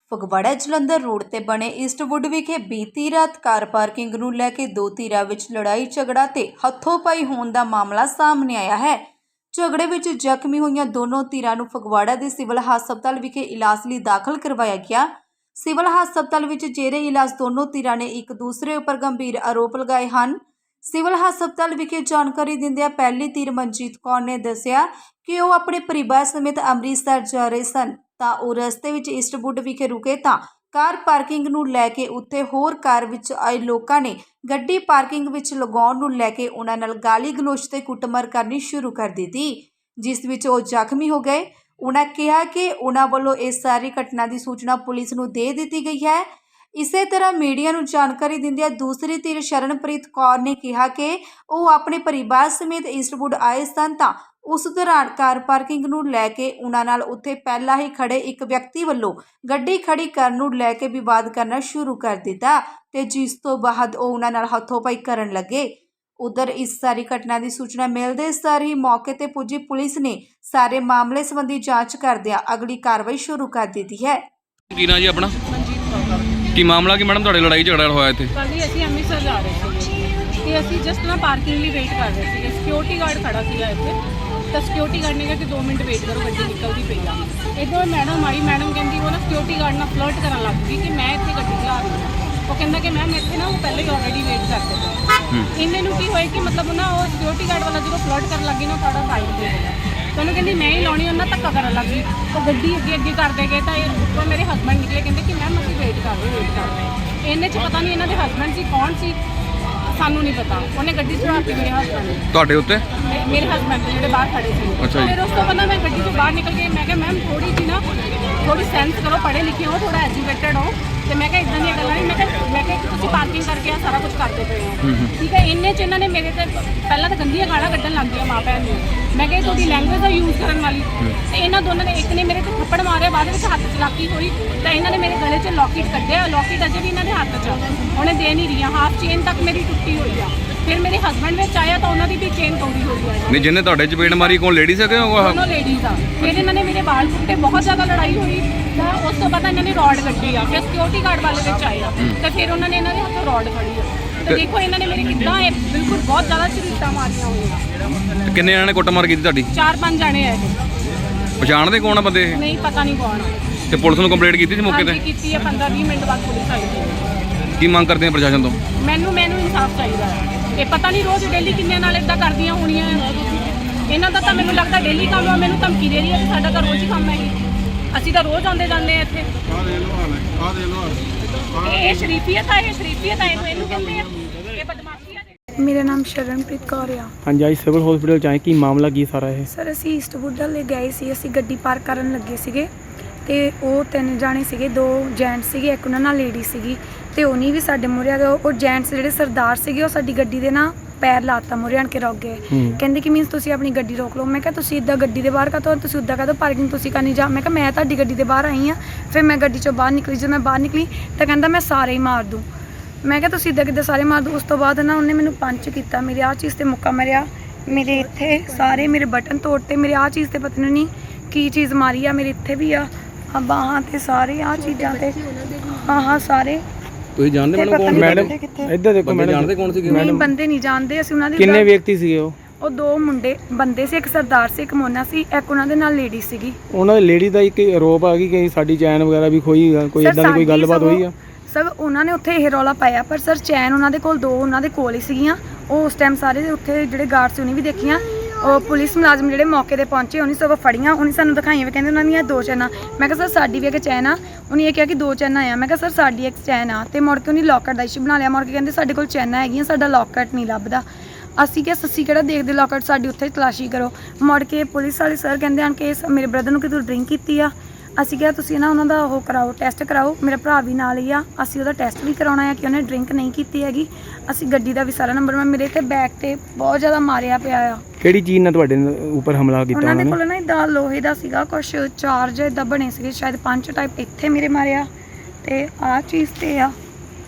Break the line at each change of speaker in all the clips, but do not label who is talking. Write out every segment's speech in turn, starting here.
Phagwara Jalandhar road ਤੇ ਬਣੇ Eastwood ਵਿਖੇ ਬੀਤੀ ਰਾਤ ਕਾਰ ਪਾਰਕਿੰਗ ਨੂੰ ਲੈ ਕੇ ਦੋ ਧਿਰਾਂ ਵਿੱਚ ਲੜਾਈ ਝਗੜਾ ਤੇ ਹੱਥੋਂ-ਪਾਈ ਹੋਣ ਦਾ ਮਾਮਲਾ ਸਾਹਮਣੇ ਆਇਆ ਹੈ। ਝਗੜੇ ਵਿੱਚ ਜ਼ਖਮੀ ਹੋਈਆਂ ਦੋਨੋਂ ਧਿਰਾਂ ਨੂੰ ਫਗਵਾੜਾ ਦੇ ਸਿਵਲ ਹਸਪਤਾਲ ਵਿਖੇ ਇਲਾਜ ਲਈ ਦਾਖਲ ਕਰਵਾਇਆ ਗਿਆ। ਸਿਵਲ ਹਸਪਤਾਲ ਵਿੱਚ ਜੇਰੇ ਇਲਾਜ ਦੋਨੋਂ ਧਿਰਾਂ ਨੇ ਇੱਕ ਦੂਸਰੇ ਉੱਪਰ ਗੰਭੀਰ ਆਰੋਪ ਲਗਾਏ ਹਨ। ਸਿਵਲ ਹਸਪਤਾਲ ਵਿਖੇ ਜਾਣਕਾਰੀ ਦਿੰਦਿਆਂ ਪਹਿਲੀ ਧਿਰ ਮਨਜੀਤ ਕੌਰ ਨੇ ਦੱਸਿਆ ਕਿ ਉਹ ਆਪਣੇ ਪਰਿਵਾਰ ਸਮੇਤ ਅੰਮ੍ਰਿਤਸਰ ਜਾ ਰਹੇ ਸਨ ਤਾਂ ਉਹ ਰਸਤੇ ਵਿੱਚ ਈਸਟਵੁੱਡ ਵਿਖੇ ਰੁਕੇ ਤਾਂ ਕਾਰ ਪਾਰਕਿੰਗ ਨੂੰ ਲੈ ਕੇ ਉੱਥੇ ਹੋਰ ਕਾਰ ਵਿੱਚ ਆਏ ਲੋਕਾਂ ਨੇ ਗੱਡੀ ਪਾਰਕਿੰਗ ਵਿੱਚ ਲਗਾਉਣ ਨੂੰ ਲੈ ਕੇ ਉਹਨਾਂ ਨਾਲ ਗਾਲੀ ਗਲੋਚ ਤੇ ਕੁੱਟਮਾਰ ਕਰਨੀ ਸ਼ੁਰੂ ਕਰ ਦਿੱਤੀ, ਜਿਸ ਵਿੱਚ ਉਹ ਜ਼ਖਮੀ ਹੋ ਗਏ। ਉਹਨਾਂ ਕਿਹਾ ਕਿ ਉਹਨਾਂ ਵੱਲੋਂ ਇਸ ਸਾਰੀ ਘਟਨਾ ਦੀ ਸੂਚਨਾ ਪੁਲਿਸ ਨੂੰ ਦੇ ਦਿੱਤੀ ਗਈ ਹੈ। ਇਸੇ ਤਰ੍ਹਾਂ ਮੀਡੀਆ ਨੂੰ ਜਾਣਕਾਰੀ ਦਿੰਦਿਆਂ ਦੂਸਰੀ ਧਿਰ ਸ਼ਰਨਪ੍ਰੀਤ ਕੌਰ ਨੇ ਕਿਹਾ ਕਿ ਉਹ ਆਪਣੇ ਪਰਿਵਾਰ ਸਮੇਤ ਈਸਟਵੁੱਡ ਆਏ ਸਨ ਤਾਂ ਉਸ ਦੌਰਾਨ ਕਾਰ ਪਾਰਕਿੰਗ ਨੂੰ ਲੈ ਕੇ ਉਹਨਾਂ ਨਾਲ ਉੱਥੇ ਪਹਿਲਾਂ ਹੀ ਖੜੇ ਇੱਕ ਵਿਅਕਤੀ ਵੱਲੋਂ ਗੱਡੀ ਖੜੀ ਕਰਨ ਨੂੰ ਲੈ ਕੇ ਵਿਵਾਦ ਕਰਨਾ ਸ਼ੁਰੂ ਕਰ ਦਿੱਤਾ ਤੇ ਜਿਸ ਤੋਂ ਬਾਅਦ ਉਹ ਉਹਨਾਂ ਨਾਲ ਹੱਥੋਂ-ਪਾਈ ਕਰਨ ਲੱਗੇ। ਉਧਰ ਇਸ ਸਾਰੀ ਘਟਨਾ ਦੀ ਸੂਚਨਾ ਮਿਲਦੇ ਸਾਰ ਹੀ ਮੌਕੇ ਤੇ ਪੁੱਜੀ ਪੁਲਿਸ ਨੇ ਸਾਰੇ ਮਾਮਲੇ ਸੰਬੰਧੀ ਜਾਂਚ ਕਰਦਿਆਂ ਅਗਲੀ ਕਾਰਵਾਈ ਸ਼ੁਰੂ ਕਰ ਦਿੱਤੀ ਹੈ।
ਕੀ ਨਾਂ ਜੀ ਆਪਣਾ? ਕੀ ਮਾਮਲਾ ਕੀ ਮੈਡਮ ਤੁਹਾਡੇ ਲੜਾਈ ਝਗੜਾ ਹੋਇਆ ਇੱਥੇ?
ਕੱਲ੍ਹ ਜੀ ਅਸੀਂ ਅੰਮ੍ਰਿਤਸਰ ਜਾ ਰਹੇ ਸੀਗੇ ਤੇ ਅਸੀਂ ਜਸਟ ਨਾ ਪਾਰਕਿੰਗ ਲਈ ਵੇਟ ਕਰ ਰਹੇ ਸੀਗੇ। ਸਿਕਿਉਰਿਟੀ ਗਾਰਡ ਖੜਾ ਸੀਗਾ ਇੱਥੇ ਤਾਂ ਸਿਕਿਉਰਿਟੀ ਗਾਰਡ ਨੇ ਕਿਹਾ ਕਿ 2 ਮਿੰਟ ਵੇਟ ਕਰੋ, ਗੱਡੀ ਨਿਕਲਦੀ ਪਈ ਆ। ਇੱਧਰੋਂ ਮੈਡਮ ਆਈ, ਮੈਡਮ ਕਹਿੰਦੀ ਉਹ ਨਾ ਸਿਕਿਉਰਿਟੀ ਗਾਰਡ ਨਾਲ ਫਲਰਟ ਕਰਨ ਲੱਗ ਗਈ ਕਿ ਮੈਂ ਇੱਥੇ ਗੱਡੀ ਚਲਾ ਰਹੀ ਹਾਂ। ਉਹ ਕਹਿੰਦਾ ਕਿ ਮੈਮ ਇੱਥੇ ਨਾ ਉਹ ਪਹਿਲੇ ਹੀ ਆਲਰੇਡੀ ਵੇਟ ਕਰਦੇ ਪਏ। ਇੰਨੇ ਨੂੰ ਕੀ ਹੋਇਆ ਕਿ ਮਤਲਬ ਨਾ ਉਹ ਸਿਕਿਉਰਿਟੀ ਗਾਰਡ ਵਾਲਾ ਜਦੋਂ ਫਲਰਟ ਕਰਨ ਲੱਗੀ ਨਾ ਸਾਡਾ ਸਾਈਡ ਤੇ ਹੋ ਗਿਆ। ਤਾਂ ਉਹਨੂੰ ਕਹਿੰਦੀ ਮੈਂ ਹੀ ਲਾਉਣੀ, ਉਹਨਾਂ ਧੱਕਾ ਕਰਨ ਲੱਗ ਗਈ। ਉਹ ਗੱਡੀ ਅੱਗੇ ਕਰਦੇ ਗਏ ਤਾਂ ਉੱਪਰੋਂ ਮੇਰੇ ਹਸਬੈਂਡ ਨਿਕਲੇ, ਕਹਿੰਦੇ ਕਿ ਮੈਮ ਅਸੀਂ ਵੇਟ ਕਰ ਰਹੇ। ਇਹਨੇ 'ਚ ਪਤਾ ਨਹੀਂ ਇਹਨਾਂ ਦੇ ਹਸਬੈਂਡ ਸੀ ਕੌਣ ਸੀ, ਸਾਨੂੰ ਨਹੀਂ ਪਤਾ। ਉਹਨੇ ਗੱਡੀ ਚੜਾਤੀ ਮੇਰੇ ਹਸਬੈਂਡ ਨੇ ਤੁਹਾਡੇ ਉੱਤੇ, ਮੇਰੇ ਹਸਬੈਂਡ ਦੇ ਜਿਹੜੇ ਬਾਹਰ ਖੜੇ ਸੀ। ਫਿਰ ਉਸ ਤੋਂ ਬਾਅਦ ਮੈਂ ਗੱਡੀ ਤੋਂ ਬਾਹਰ ਨਿਕਲ ਕੇ ਮੈਂ ਕਿਹਾ ਮੈਮ ਥੋੜੀ ਸੈਂਸ ਕਰੋ, ਪੜ੍ਹੇ ਲਿਖੇ ਹੋ, ਥੋੜਾ ਐਜੂਕੇਟਡ ਹੋ। ਤੇ ਮੈਂ ਕਿਹਾ ਇਦਾਂ ਦੀਆਂ ਗੱਲਾਂ ਨਹੀਂ। ਮੈਂ ਕਿਹਾ ਤੁਸੀਂ ਪਾਰਕਿੰਗ ਕਰਕੇ ਆ ਸਾਰਾ ਕੁਝ ਕਰਦੇ ਪਏ ਹੋ, ਠੀਕ ਹੈ। ਇੰਨੇ 'ਚ ਇਹਨਾਂ ਨੇ ਮੇਰੇ ਤੇ ਪਹਿਲਾਂ ਤਾਂ ਗੰਦੀਆਂ ਗਾਲਾਂ ਕੱਢਣ ਲੱਗ ਗਈਆਂ ਮਾਂ ਭੈਣ ਨੂੰ। ਮੈਂ ਕਿਹਾ ਤੁਹਾਡੀ ਲੈਂਗੁਏਜ ਦਾ ਯੂਜ਼ ਕਰਨ ਵਾਲੀ। ਤੇ ਇਹਨਾਂ ਦੋਨਾਂ ਨੇ, ਇੱਕ ਨੇ ਮੇਰੇ ਤੇ ਥੱਪੜ ਮਾਰਿਆ, ਬਾਅਦ ਵਿੱਚ ਹੱਥ ਚਲਾਕੀ ਹੋਈ ਤਾਂ ਇਹਨਾਂ ਨੇ ਮੇਰੇ ਗਲੇ 'ਚ ਲੌਕਟ ਕੱਢਿਆ। ਲੌਕਟ ਅਜੇ ਵੀ ਇਹਨਾਂ ਦੇ ਹੱਥ 'ਚ, ਉਹਨੇ ਦੇ ਨਹੀਂ ਰਹੀਆਂ। ਹਾਫ ਚੇਨ ਤੱਕ ਮੇਰੀ ਟੁੱਟੀ ਹੋਈ ਆ। ਫਿਰ ਮੇਰੇ ਹਸਬੈਂਡ ਵਿੱਚ ਆਇਆ ਤਾਂ ਉਹਨਾਂ ਦੀ ਵੀ ਚੇਨ ਤੋੜੀ ਹੋਈ ਆ।
ਨਹੀਂ, ਜਿਹਨੇ ਤੁਹਾਡੇ ਚਪੇੜ ਮਾਰੀ ਕੋਲ ਲੇਡੀਜ਼ ਹੈਗੇ ਉਹ?
ਦੋਨੋਂ ਲੇਡੀਜ਼ ਆ। ਫਿਰ ਇਹਨਾਂ ਨੇ ਮੇਰੇ ਵਾਲ ਪੁੱਟੇ, ਬਹੁਤ ਜ਼ਿਆਦਾ ਲੜਾਈ ਹੋਈ ਤਾਂ ਉਸ ਤੋਂ ਬਾਅਦ ਇਹਨਾਂ ਨੇ ਰੋਡ ਕੱਢੀ ਆ। ਫਿਰ ਸਿਕਿਉਰਿਟੀ ਗਾਰਡ ਵਾਲੇ ਵਿੱਚ ਆਏ ਆ ਤਾਂ ਫਿਰ ਉਹਨਾਂ ਨੇ ਇਹਨਾਂ ਦੇ ਹੱਥੋਂ ਰੋਡ ਫੜੀ ਆ। ਤੇ ਦੇਖੋ ਇਹਨਾਂ ਨੇ ਮੇਰੇ ਕਿੱਦਾਂ ਬਿਲਕੁਲ ਬਹੁਤ ਜ਼ਿਆਦਾ ਝਰੀਟਾਂ ਮਾਰੀਆਂ ਹੋਈਆਂ।
ਕਿੰਨੇ ਜਣਾਂ ਨੇ ਕੁੱਟਮਾਰ ਕੀਤੀ ਤੁਹਾਡੀ?
4-5 ਜਾਣੇ ਆ ਇਹ।
ਪਛਾਣਦੇ ਕੌਣ ਆ ਬੰਦੇ?
ਨਹੀਂ, ਪਤਾ ਨਹੀਂ ਕੌਣ ਆ।
ਤੇ ਪੁਲਿਸ ਨੂੰ ਕੰਪਲੇਂਟ ਕੀਤੀ ਸੀ ਮੌਕੇ ਤੇ?
ਕੀਤੀ ਹੈ, 15-20 ਮਿੰਟ ਬਾਅਦ ਪੁਲਿਸ ਆਈ।
ਕੀ ਮੰਗ ਕਰਦੇ ਆ ਪ੍ਰਸ਼ਾਸਨ ਤੋਂ?
ਮੈਨੂੰ ਇਨਸਾਫ ਚਾਹੀਦਾ ਹੈ। ਇਹ ਪਤਾ ਨਹੀਂ ਰੋਜ਼ ਡੇਲੀ ਕਿੰਨੇ ਨਾਲ ਇਦਾਂ ਕਰਦੀਆਂ ਹੋਣੀਆਂ। ਇਹਨਾਂ ਦਾ ਤਾਂ ਮੈਨੂੰ ਲੱਗਦਾ ਡੇਲੀ ਕੰਮ ਆ। ਮੈਨੂੰ ਧਮਕੀ ਦੇ ਰਹੀ ਹੈ ਕਿ ਸਾਡਾ ਤਾਂ ਰੋਜ਼ ਹੀ ਕੰਮ ਹੈ। ਅਸੀਂ ਤਾਂ ਰੋਜ਼ ਆਉਂਦੇ ਜਾਂਦੇ ਆ ਇੱਥੇ। ਇਹ ਸ਼ਰੀਫੀਅਤ ਆ, ਇਹਨੂੰ ਕਹਿੰਦੇ ਆ ਇਹ ਬਦਮਾਸ਼ੀ ਆ।
ਮੇਰਾ ਨਾਮ ਸ਼ਰਨਪ੍ਰੀਤ ਕੌਰ ਆ।
ਹਾਂਜੀ, ਅੱਜ ਸਿਵਲ ਹਸਪੀਟਲ 'ਚ ਆਏ, ਕੀ ਮਾਮਲਾ ਕੀ ਸਾਰਾ ਇਹ?
ਸਰ ਅਸੀਂ ਈਸਟਵੁੱਡ ਵੱਲ ਗਏ ਸੀ। ਅਸੀਂ ਗੱਡੀ ਪਾਰਕ ਕਰਨ ਲੱਗੇ ਸੀਗੇ ਤੇ ਉਹ 3 ਜਾਣੇ ਸੀਗੇ, 2 ਜੈਂਟਸ ਸੀਗੇ, ਇੱਕ ਉਹਨਾਂ ਨਾਲ ਲੇਡੀ ਸੀਗੀ ਤੇ ਉਹਨੀ ਵੀ ਸਾਡੇ ਮੂਹਰੇ ਆ ਗਏ। ਉਹ ਜੈਂਟਸ ਜਿਹੜੇ ਸਰਦਾਰ ਸੀਗੇ ਉਹ ਸਾਡੀ ਗੱਡੀ ਦੇ ਨਾ ਪੈਰ ਲਾਤਾ, ਮੂਹਰੇ ਆਣ ਕੇ ਰੁਕ ਗਏ। ਕਹਿੰਦੇ ਕਿ ਮੀਨਸ ਤੁਸੀਂ ਆਪਣੀ ਗੱਡੀ ਰੋਕ ਲਓ। ਮੈਂ ਕਿਹਾ ਤੁਸੀਂ ਇੱਦਾਂ ਗੱਡੀ ਦੇ ਬਾਹਰ ਕਾਹਤੋਂ, ਤੁਸੀਂ ਉੱਦਾਂ ਕਾਹਤੋਂ ਪਾਰਕਿੰਗ ਤੁਸੀਂ ਕਰਨੀ ਜਾ। ਮੈਂ ਕਿਹਾ ਮੈਂ ਤੁਹਾਡੀ ਗੱਡੀ ਦੇ ਬਾਹਰ ਆਈ ਹਾਂ। ਫਿਰ ਮੈਂ ਗੱਡੀ 'ਚੋਂ ਬਾਹਰ ਨਿਕਲੀ। ਜਦੋਂ ਮੈਂ ਬਾਹਰ ਨਿਕਲੀ ਤਾਂ ਕਹਿੰਦਾ ਮੈਂ ਸਾਰੇ ਹੀ ਮਾਰ ਦੂੰ। ਮੈਂ ਕਿਹਾ ਤੁਸੀਂ ਇੱਦਾਂ ਕਿੱਦਾਂ ਸਾਰੇ ਮਾਰ ਦੂੰ। ਉਸ ਤੋਂ ਬਾਅਦ ਨਾ ਉਹਨੇ ਮੈਨੂੰ ਪੰਚ ਕੀਤਾ, ਮੇਰੇ ਆਹ ਚੀਜ਼ 'ਤੇ ਮੁੱਕਾ ਮਾਰਿਆ, ਮੇਰੇ ਇੱਥੇ ਸਾਰੇ ਮੇਰੇ ਬਟਨ ਤੋੜਤੇ, ਮੇਰੇ ਆਹ ਚੀਜ਼ 'ਤੇ ਪਤਾ ਨਹੀਂ ਕੀ ਚੀਜ਼ ਮਾਰੀ ਆ, ਮੇਰੇ ਇੱਥੇ ਵੀ ਆ ਬਾਹਾਂ 'ਤੇ ਸਾਰੇ ਆਹ ਚੀਜ਼ਾਂ 'ਤੇ। ਹਾਂ ਸਾਰੇ।
ਤੁਸੀਂ ਜਾਣਦੇ
ਮੈਡਮ? ਇੱਧਰ ਦੇਖੋ ਮੈਡਮ,
ਜਾਣਦੇ ਕੌਣ ਸੀ?
ਨਹੀਂ, ਬੰਦੇ ਨਹੀਂ ਜਾਣਦੇ ਅਸੀਂ ਉਹਨਾਂ ਦੇ।
ਕਿੰਨੇ ਵਿਅਕਤੀ ਸੀਗੇ ਉਹ?
ਉਹ 2 ਬੰਦੇ ਸੀ, ਇੱਕ ਸਰਦਾਰ ਸੀ, ਇੱਕ ਮੋਨਾ ਸੀ, ਇੱਕ ਉਹਨਾਂ ਦੇ ਨਾਲ ਲੇਡੀ ਸੀਗੀ।
ਉਹਨਾਂ ਦੀ ਲੇਡੀ ਦਾ ਇੱਕ ਆਰੋਪ ਆ ਕਿ ਸਾਡੀ ਚੈਨ ਵਗੈਰਾ ਵੀ ਖੋਈ, ਕੋਈ ਇਦਾਂ ਦੀ ਕੋਈ ਗੱਲਬਾਤ ਹੋਈ ਆ?
ਸਰ ਉਹਨਾਂ ਨੇ ਉੱਥੇ ਇਹ ਰੌਲਾ ਪਾਇਆ, ਪਰ ਸਰ ਚੈਨ ਉਹਨਾਂ ਦੇ ਕੋਲ 2 ਉਹਨਾਂ ਦੇ ਕੋਲ ਹੀ ਸੀਗੀਆਂ। ਉਹ ਉਸ ਟਾਈਮ ਸਾਰੇ ਉੱਥੇ ਜਿਹੜੇ ਗਾਰਡ ਸੀ ਉਹਨੇ ਵੀ ਦੇਖੀਆਂ। ਉਹ ਪੁਲਿਸ ਮੁਲਾਜ਼ਮ ਜਿਹੜੇ ਮੌਕੇ 'ਤੇ ਪਹੁੰਚੇ ਉਹਨੇ ਸਗੋਂ ਫੜੀਆਂ, ਉਹਨੇ ਸਾਨੂੰ ਦਿਖਾਈਆਂ ਵੀ ਕਹਿੰਦੇ ਉਹਨਾਂ ਦੀਆਂ 2 ਚੈਨਾਂ। ਮੈਂ ਕਿਹਾ ਸਰ ਸਾਡੀ ਵੀ ਇੱਕ ਚੈਨ ਆ। ਉਹਨੇ ਇਹ ਕਿਹਾ ਕਿ 2 ਚੈਨਾਂ ਆ। ਮੈਂ ਕਿਹਾ ਸਰ ਸਾਡੀ ਇੱਕ ਚੈਨ ਆ। ਤੇ ਮੁੜ ਕੇ ਉਹਨੇ ਲੌਕਟ ਦਾ ਇਸ਼ੂ ਬਣਾ ਲਿਆ। ਮੁੜ ਕੇ ਕਹਿੰਦੇ ਸਾਡੇ ਕੋਲ ਚੈਨਾਂ ਹੈਗੀਆਂ, ਸਾਡਾ ਲੌਕਟ ਨਹੀਂ ਲੱਭਦਾ। ਅਸੀਂ ਕਿਹਾ ਸੱਸੀ ਕਿਹੜਾ ਦੇਖਦੇ ਲੌਕਟ, ਸਾਡੀ ਉੱਥੇ ਤਲਾਸ਼ੀ ਕਰੋ। ਮੁੜ ਕੇ ਪੁਲਿਸ ਵਾਲੇ ਸਰ ਕਹਿੰਦੇ ਹਨ ਕਿ ਮੇਰੇ ਬ੍ਰਦਰ ਨੂੰ ਕਿ ਤੂੰ ਡਰਿੰਕ ਕੀਤੀ ਆ। ਅਸੀਂ ਕਿਹਾ ਤੁਸੀਂ ਨਾ ਉਹਨਾਂ ਦਾ ਉਹ ਕਰਾਓ, ਟੈਸਟ ਕਰਾਓ। ਮੇਰਾ ਭਰਾ ਵੀ ਨਾਲ ਹੀ ਆ, ਅਸੀਂ ਉਹਦਾ ਟੈਸਟ ਵੀ ਕਰਾਉਣਾ ਆ ਕਿ ਉਹਨੇ ਡਰਿੰਕ ਨਹੀਂ ਕੀਤੀ ਹੈਗੀ। ਅਸੀਂ ਗੱਡੀ ਦਾ ਵੀ ਸਾਰਾ ਨੰਬਰ, ਮੈਂ ਮੇਰੇ ਤੇ ਬੈਕ ਤੇ ਬਹੁਤ ਜ਼ਿਆਦਾ ਮਾਰਿਆ ਪਿਆ ਆ।
ਕਿਹੜੀ ਚੀਜ਼ ਨਾਲ ਤੁਹਾਡੇ ਉੱਪਰ ਹਮਲਾ ਕੀਤਾ
ਉਹਨਾਂ ਦੇ ਕੋਲ ਨਾ ਇੱਦਾਂ ਲੋਹੇ ਦਾ ਸੀਗਾ ਕੁਛ, ਚਾਰਜ ਇੱਦਾਂ ਬਣੇ ਸੀਗੇ, ਸ਼ਾਇਦ 5 ਟਾਈਪ। ਇੱਥੇ ਮੇਰੇ ਮਾਰਿਆ ਤੇ ਆਹ ਚੀਜ਼ ਤੇ ਆ।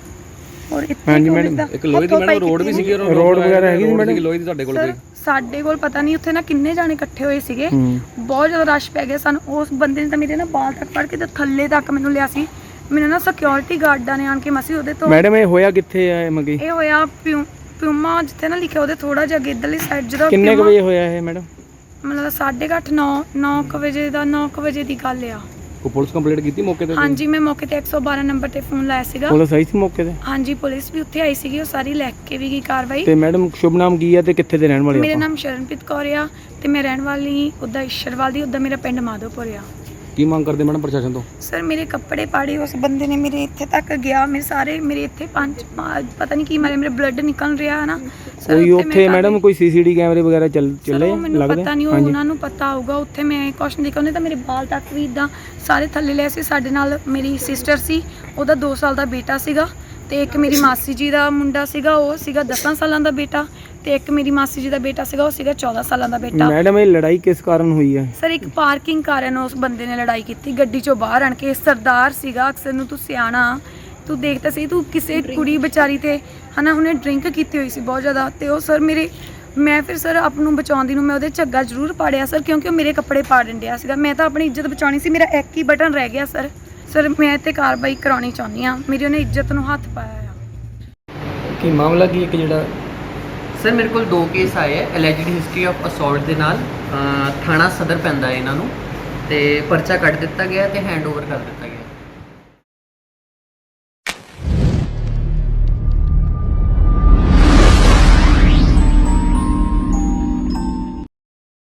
ਔਰ ਇੱਥੇ
ਹਾਂਜੀ ਮੈਡਮ,
ਇੱਕ ਲੋਹੇ ਦੀ ਮੈਡਮ ਰੋਡ ਵੀ ਸੀਗੀ,
ਰੋਡ ਵਗੈਰਾ ਹੈਗੀ ਸੀ ਮੈਡਮ?
ਲੋਹੇ ਦੀ ਤੁਹਾਡੇ ਕੋਲ ਕੋਈ?
ਸਾਡੇ ਕੋਲ ਪਤਾ ਨਹੀਂ, ਉੱਥੇ ਨਾ ਕਿੰਨੇ ਜਾਣੇ ਇਕੱਠੇ ਹੋਏ ਸੀਗੇ, ਬਹੁਤ ਜ਼ਿਆਦਾ ਰਸ਼ ਪੈ ਗਿਆ ਸਾਨੂੰ। ਉਸ ਬੰਦੇ ਨੇ ਤਾਂ ਮੇਰੇ ਨਾ ਬਾਲ ਤੱਕ ਫੜ ਕੇ ਤੇ ਥੱਲੇ ਤੱਕ ਮੈਨੂੰ ਲਿਆ ਸੀ ਮੈਨੂੰ ਨਾ ਸਿਕਿਉਰਿਟੀ ਗਾਰਡਾਂ ਨੇ ਆਣ ਕੇ ਮਸੀ ਉਹਦੇ ਤੋਂ
ਮੈਡਮ ਇਹ ਹੋਇਆ ਕਿੱਥੇ ਆ ਮਗੀ
ਇਹ ਹੋਇਆ ਪਿਊਮਾ ਜਿੱਥੇ ਨਾ ਲਿਖਿਆ ਉਹਦੇ ਥੋੜਾ ਜਿਹਾ ਅੱਗੇ ਇੱਧਰਲੀ ਸਾਈਡ ਜਦੋਂ
ਕਿੰਨੇ ਕੁ ਵਜੇ ਹੋਇਆ ਇਹ ਮੈਡਮ?
ਮਤਲਬ 8:30 9 ਵਜੇ ਦਾ 9 ਵਜੇ ਦੀ ਗੱਲ ਆ।
ਕੋਈ ਪੁਲਿਸ ਕੰਪਲੇਂਟ ਕੀਤੀ ਮੌਕੇ ਤੇ?
ਹਾਂਜੀ ਮੈਂ ਮੌਕੇ ਤੇ 112 ਨੰਬਰ ਤੇ ਫੋਨ ਲਾਇਆ ਸੀਗਾ।
ਪੁਲਿਸ ਆਈ ਸੀ ਮੌਕੇ ਤੇ?
ਹਾਂਜੀ ਪੁਲਿਸ ਵੀ ਉੱਥੇ ਆਈ ਸੀਗੀ, ਉਹ ਸਾਰੀ ਲੈ ਕੇ ਵੀ ਗਈ ਕਾਰਵਾਈ।
ਤੇ ਮੈਡਮ ਸ਼ੁਭ ਨਾਮ ਕੀ ਹੈ ਤੇ ਕਿੱਥੇ ਦੇ ਰਹਿਣ ਵਾਲੇ
ਮੇਰਾ
ਆਪਾਂ?
ਨਾਮ ਸ਼ਰਨਪ੍ਰੀਤ ਕੌਰ ਆ ਤੇ ਮੈਂ ਰਹਿਣ ਵਾਲੀ ਉੱਦਾਂ ਈਸ਼ਰਵਾਲ ਦੀ, ਉੱਦਾਂ ਮੇਰਾ ਪਿੰਡ ਮਾਧੋਪੁਰ ਆ।
ਕੀ ਮੰਗ ਕਰਦੇ ਮੈਡਮ ਪ੍ਰਸ਼ਾਸਨ ਤੋਂ?
ਸਰ ਮੇਰੇ ਕੱਪੜੇ ਪਾੜੇ ਉਸ ਬੰਦੇ ਨੇ, ਮੇਰੇ ਇੱਥੇ ਤੱਕ ਗਿਆ, ਮੇਰੇ ਇੱਥੇ ਪਤਾ ਨਹੀਂ ਕੀ ਮਾਰੇ, ਮੇਰੇ ਬਲੱਡ ਨਿਕਲ ਰਿਹਾ ਹੈ ਨਾ ਸਰ।
ਕੋਈ ਉੱਥੇ ਮੈਡਮ ਕੋਈ ਸੀਸੀਟੀ ਕੈਮਰੇ ਵਗੈਰਾ ਚੱਲੇ
ਮੈਨੂੰ
ਲੱਗਦਾ?
ਪਤਾ ਨਹੀਂ, ਉਹ ਉਹਨਾਂ ਨੂੰ ਪਤਾ ਹੋਊਗਾ। ਉੱਥੇ ਮੈਂ ਕੁਛ ਨਹੀਂ ਦੇਖਿਆ, ਉਹਨੇ ਤਾਂ ਮੇਰੇ ਬਾਲ ਤੱਕ ਵੀ ਇਦਾਂ ਸਾਰੇ ਥੱਲੇ ਲਏ ਸੀ। ਸਾਡੇ ਨਾਲ ਮੇਰੀ ਸਿਸਟਰ ਸੀ, ਉਹਦਾ 2 ਸਾਲ ਦਾ ਬੇਟਾ ਸੀਗਾ, ਤੇ ਇੱਕ ਮੇਰੀ ਮਾਸੀ ਜੀ ਦਾ ਮੁੰਡਾ ਸੀਗਾ, ਉਹ ਸੀਗਾ 10 ਸਾਲਾਂ ਦਾ ਬੇਟਾ, ਤੇ ਇੱਕ ਮੇਰੀ ਮਾਸੀ ਜੀ ਦਾ ਬੇਟਾ ਸੀਗਾ, ਉਹ ਸੀਗਾ 14 ਸਾਲਾਂ ਦਾ ਬੇਟਾ।
ਮੈਡਮ ਇਹ ਲੜਾਈ ਕਿਸ ਕਾਰਨ ਹੋਈ ਹੈ?
ਸਰ ਇੱਕ ਪਾਰਕਿੰਗ ਕਾਰਨ ਉਸ ਬੰਦੇ ਨੇ ਲੜਾਈ ਕੀਤੀ, ਗੱਡੀ ਚੋਂ ਬਾਹਰ ਆਣ ਕੇ। ਸਰਦਾਰ ਸੀਗਾ, ਅਕਸਰ ਨੂੰ ਤੂੰ ਸਿਆਣਾ, ਤੂੰ ਦੇਖਦਾ ਸੀ, ਤੂੰ ਕਿਸੇ ਕੁੜੀ ਵਿਚਾਰੀ ਤੇ ਹਨਾ ਉਹਨੇ ਡਰਿੰਕ ਕੀਤੀ ਹੋਈ ਸੀ ਬਹੁਤ ਜ਼ਿਆਦਾ। ਤੇ ਉਹ ਸਰ ਮੈਂ ਫਿਰ ਸਰ ਆਪ ਨੂੰ ਬਚਾਉਂਦੀ ਨੂੰ ਮੈਂ ਉਹਦੇ ਝੱਗਾ ਜ਼ਰੂਰ ਪਾੜਿਆ ਸਰ, ਕਿਉਂਕਿ ਉਹ ਮੇਰੇ ਕੱਪੜੇ ਪਾੜਨ ਡਿਆ ਸੀਗਾ। ਮੈਂ ਤਾਂ ਆਪਣੀ ਇੱਜ਼ਤ ਬਚਾਉਣੀ ਸੀ, ਮੇਰਾ ਇੱਕ ਹੀ ਬਟਨ ਰਹਿ ਗਿਆ ਸਰ। ਮੈਂ ਤੇ ਕਾਰਵਾਈ ਕਰਾਉਣੀ ਚਾਹੁੰਦੀ ਆ, ਮੇਰੀ ਉਹਨੇ ਇੱਜ਼ਤ ਨੂੰ ਹੱਥ ਪਾਇਆ ਆ।
ਕੀ ਮਾਮਲਾ ਕੀ ਇੱਕ ਜਿਹੜਾ
ਸਰ ਮੇਰੇ ਕੋਲ 2 ਕੇਸ ਆਏ ਹੈ ਐਲੈਜਡ ਹਿਸਟਰੀ ਆਫ ਅਸੌਲਟ ਦੇ ਨਾਲ। ਥਾਣਾ ਸਦਰ ਪੈਂਦਾ ਹੈ ਇਹਨਾਂ ਨੂੰ, ਤੇ ਪਰਚਾ ਕੱਟ ਦਿੱਤਾ ਗਿਆ ਤੇ ਹੈਂਡਓਵਰ ਕਰ ਦਿੱਤਾ ਗਿਆ।